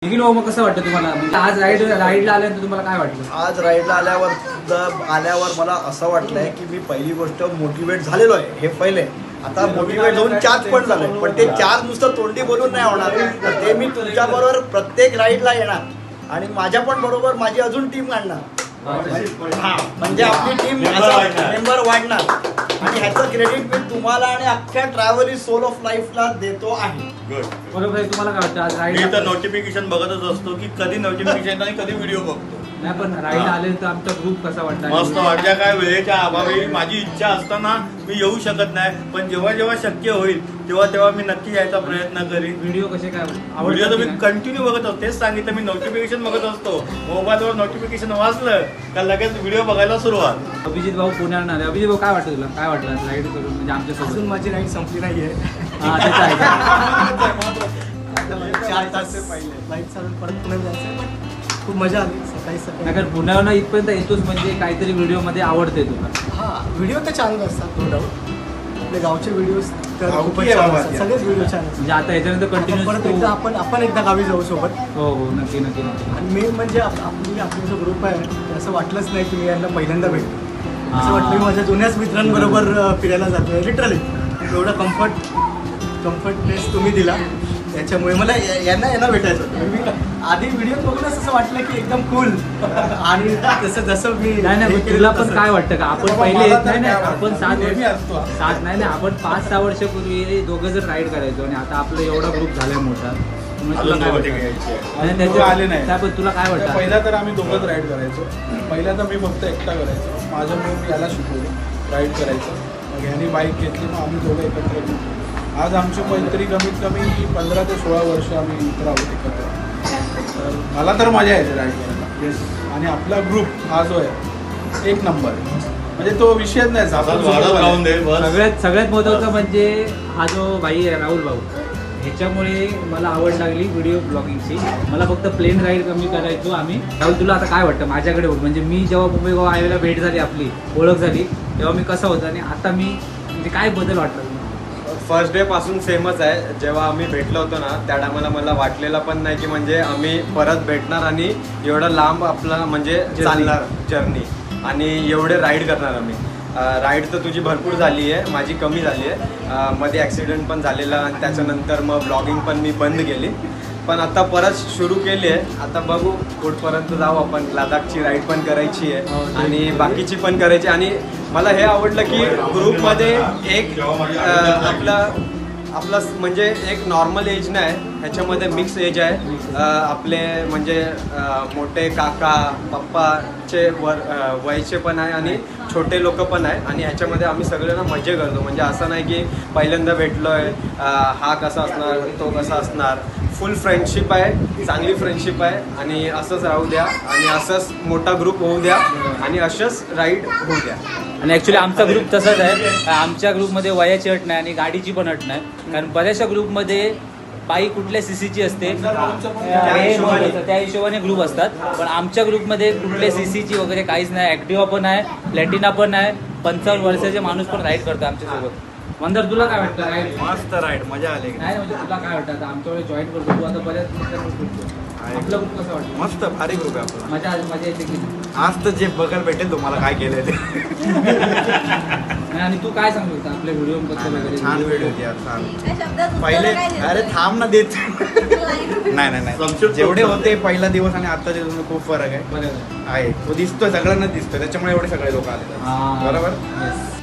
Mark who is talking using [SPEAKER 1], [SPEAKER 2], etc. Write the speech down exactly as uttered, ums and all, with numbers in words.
[SPEAKER 1] निखिल भाऊ, मग कसं वाटतं तुम्हाला? म्हणजे आज राईड राईडला आल्यानंतर तुम्हाला काय वाटलं?
[SPEAKER 2] आज राईडला आल्यावर द- आल्यावर मला असं वाटलंय की मी पहिली गोष्ट मोटिवेट झालेलो आहे. हे पहिले आता मोटिवेट होऊन चार्ज पण झालोय, पण ते चार्ज नुसतं तोंडी बोलून नाही होणार. तर ते मी तुमच्याबरोबर प्रत्येक राईडला येणार आणि माझ्या पण बरोबर माझी अजून टीम काढणार. हा, म्हणजे आपली टीम मेंबर वाढणार आणि ह्याचं क्रेडिट मी तुम्हाला आणि अख्ख्या ट्रॅव्हल सोल ऑफ लाईफला देतो आहे.
[SPEAKER 1] बरोबर आहे. तुम्हाला काय वाटतं आज
[SPEAKER 3] मी
[SPEAKER 1] राईड?
[SPEAKER 3] तर नोटिफिकेशन बघतच असतो की कधी नोटिफिकेशन आणि कधी व्हिडिओ बघतो.
[SPEAKER 1] नाही, पण राईडला आल्यानंतर आमचा ग्रुप कसा वाटला?
[SPEAKER 3] मस्त वाटल्या. काय वेळेच्या अभावी माझी इच्छा असताना मी येऊ शकत नाही, पण जेव्हा जेव्हा शक्य होईल तेव्हा तेव्हा मी नक्की यायचा प्रयत्न करीन.
[SPEAKER 1] व्हिडिओ कसे काय
[SPEAKER 3] व्हिडिओ तर मी कंटिन्यू बघत असतो. तेच सांगितलं, मी नोटिफिकेशन बघत असतो. मोबाईलवर नोटिफिकेशन वाचलं का लगेच व्हिडिओ बघायला सुरुवात.
[SPEAKER 1] अभिजित भाऊ पुण्यावर आले. अभिजित भाऊ, काय वाटतं तुला? काय वाटलं राईड करून? म्हणजे आमच्यासोबत
[SPEAKER 2] अजून माझी राईड संपली नाहीये.
[SPEAKER 1] हा, त्याचं आहे का?
[SPEAKER 2] चार तास पहिले फ्लाईट चालून परत पुण्यात जायचं, पण खूप मजा आली सकाळी सकाळी.
[SPEAKER 1] नाही, कारण पुण्यावरून इथपर्यंत येतोच म्हणजे काहीतरी व्हिडिओमध्ये आवडते तुला.
[SPEAKER 2] हा, व्हिडिओ तर छान असतात, नो डाऊट. आपले गावचे व्हिडिओ तर
[SPEAKER 3] गावठी
[SPEAKER 2] खूपच
[SPEAKER 3] आहे
[SPEAKER 2] छान
[SPEAKER 3] बाबा
[SPEAKER 2] असतात.
[SPEAKER 3] ते.
[SPEAKER 2] सगळेच व्हिडिओ छान असतात.
[SPEAKER 1] म्हणजे आता याच्यानंतर
[SPEAKER 2] परत एकदा
[SPEAKER 1] कंटिन्यू
[SPEAKER 2] आपण आपण एकदा गावी जाऊ सोबत.
[SPEAKER 1] हो हो, नक्की नक्की नक्की.
[SPEAKER 2] आणि मेन म्हणजे आप- आपली आपला जो ग्रुप आहे ते असं वाटलंच नाही की मी यांना पहिल्यांदा भेटतो.
[SPEAKER 1] हा.
[SPEAKER 2] असं वाटलं की माझ्या जुन्याच मित्रांबरोबर अ, फिरायला जातोय लिटरली. एवढा कम्फर्ट कम्फर्टनेस तुम्ही दिला, त्याच्यामुळे मला या- यांना यांना भेटायचं होतं. मी आधी व्हिडिओ बघूनच असं वाटलं की एकदम कूल आणि तसं जसं मी
[SPEAKER 1] नाही नाही,
[SPEAKER 2] हे
[SPEAKER 1] पण
[SPEAKER 2] केलं
[SPEAKER 1] तुला पण
[SPEAKER 2] तसं.
[SPEAKER 1] काय वाटतं का आपण
[SPEAKER 4] बाबा,
[SPEAKER 1] पहिले
[SPEAKER 4] मला
[SPEAKER 1] येत
[SPEAKER 4] तर
[SPEAKER 1] नाही नाही
[SPEAKER 4] काय
[SPEAKER 1] आपण
[SPEAKER 4] वाटतं?
[SPEAKER 1] सात
[SPEAKER 4] मी नेहमी
[SPEAKER 1] वर्ष
[SPEAKER 4] असतो.
[SPEAKER 1] सात नाही नाही आपण पाच सहा वर्षापूर्वी दोघं जण राईड करायचो आणि आता आपला एवढा ग्रुप झालाय मोठा. मग तुला
[SPEAKER 3] अजून
[SPEAKER 1] काय
[SPEAKER 3] सोबत
[SPEAKER 1] वाटतं?
[SPEAKER 3] घ्यायची आहे.
[SPEAKER 1] आणि
[SPEAKER 4] दोघं
[SPEAKER 1] त्याच्या-
[SPEAKER 4] आले नाही.
[SPEAKER 1] काय पण तुला काय वाटतं?
[SPEAKER 4] पहिला तर आम्ही दोघंच राईड करायचो. पहिला तर मी फक्त एकटा करायचो. माझ्या मुळे मी याला शिकवलं राईड करायचं. मग ह्यानी बाईक घेतली, मग आम्ही दोघं एकत्र गेलो. आज आमची मैत्री कमीत कमी पंधरा ते सोळा वर्ष आम्ही इतर आहोत एकत्र. तर मला तर मजा येते राईड करायला. आणि आपला ग्रुप हा जो आहे एक नंबर, म्हणजे तो विषयच नाही.
[SPEAKER 3] असंच
[SPEAKER 4] आपण
[SPEAKER 3] वाढत
[SPEAKER 4] सोबत
[SPEAKER 3] राहून दे बस.
[SPEAKER 1] सगळ्यात सगळ्यात महत्त्वाचं म्हणजे हा जो भाई आहे राहुल भाऊ, ह्याच्यामुळे मला आवड लागली व्हिडिओ ब्लॉगिंगची. मला फक्त प्लेन राईड कमी करायचो आम्ही. राहुल, तुला आता काय वाटतं माझ्याकडे बघ, म्हणजे मी जेव्हा मुंबई गोवा हायवेला भेट झाली, आपली ओळख झाली, तेव्हा मी कसा होता आणि आता मी म्हणजे काय बदल वाटला?
[SPEAKER 5] फर्स्ट डे पासून सेमच आहे. जेव्हा आम्ही भेटलो होतो ना, त्या टायमाला मला वाटलेलं पण नाही की म्हणजे आम्ही परत भेटणार आणि एवढं लांब आपला म्हणजे चालणार जर्नी आणि एवढे राईड करणार आम्ही. राईड तर तुझी भरपूर झाली आहे, माझी कमी झाली आहे. मध्ये ॲक्सिडेंट पण झालेला आणि त्याच्यानंतर मग ब्लॉगिंग पण मी बंद केली, पण आता परत सुरू केली आहे. आता बघू कुठपर्यंत जाऊ आपण. लडाखची राईड पण करायची आहे आणि बाकीची पण करायची. आणि मला हे आवडलं की ग्रुपमध्ये एक अं, आपला आपला म्हणजे एक नॉर्मल एज नाही, ह्याच्यामध्ये मिक्स एज आहे. अं, आपले म्हणजे अं, मोठे काका पप्पाचे वर अं, वयचे पण आहे आणि छोटे लोक पण आहे. आणि ह्याच्यामध्ये आम्ही सगळ्यांना मजा करतो. म्हणजे असं नाही की पहिल्यांदा भेटलो आहे, हा कसा असणार तो कसा असणार. फुल फ्रेंडशिप आहे, चांगली फ्रेंडशिप आहे आणि असंच राहू द्या आणि असंच मोठा ग्रुप होऊ द्या आणि अशाच राईड होऊ द्या.
[SPEAKER 1] आणि ॲक्च्युली आमचा ग्रुप तसाच आहे. आमच्या ग्रुपमध्ये वयाची अट नाही आणि गाडीची पण अट नाही. कारण बऱ्याचशा ग्रुपमध्ये बाईक कुठल्या सीसीची असते त्या हिशोबाने ग्रुप असतात, पण आमच्या ग्रुपमध्ये कुठल्या सीसीची वगैरे काहीच नाही. ॲक्टिवा पण आहे, प्लॅटिना पण आहे, पंचावन्न वर्षाचे माणूस पण राईड करतो आमच्यासोबत. मंदर, तुला काय वाटतं राईड?
[SPEAKER 3] मस्त राईड, मजा आली.
[SPEAKER 1] नाही म्हणजे तुला काय वाटतं? आता आमच्याकडे जॉईन करतो तू, आता बऱ्याच मित्रांवर फिरतो. आपला ग्रुप कसा वाटतं?
[SPEAKER 3] मस्त भारी ग्रुप आहे आपला.
[SPEAKER 1] मजा मजा येते की नाही?
[SPEAKER 3] आज तर जे बघायला भेटेल तुम्हाला काय केलंय ते.
[SPEAKER 1] नाही, आणि तू काय सांगू शकता आपल्या व्हिडिओ बद्दल वगैरे?
[SPEAKER 3] छान व्हिडिओ होती यार, छान.
[SPEAKER 6] पहिले
[SPEAKER 3] पहिले अरे थांब ना देत. नाही नाही नाही, जेवढे होते पहिला दिवस आणि आत्ताचे दिवस खूप फरक आहे.
[SPEAKER 1] बरोबर.
[SPEAKER 3] आहे तो दिसतोय, सगळ्यांना दिसतोय, त्याच्यामुळे एवढे सगळे लोक आले.
[SPEAKER 1] हा.
[SPEAKER 3] बरोबर.
[SPEAKER 1] Yes.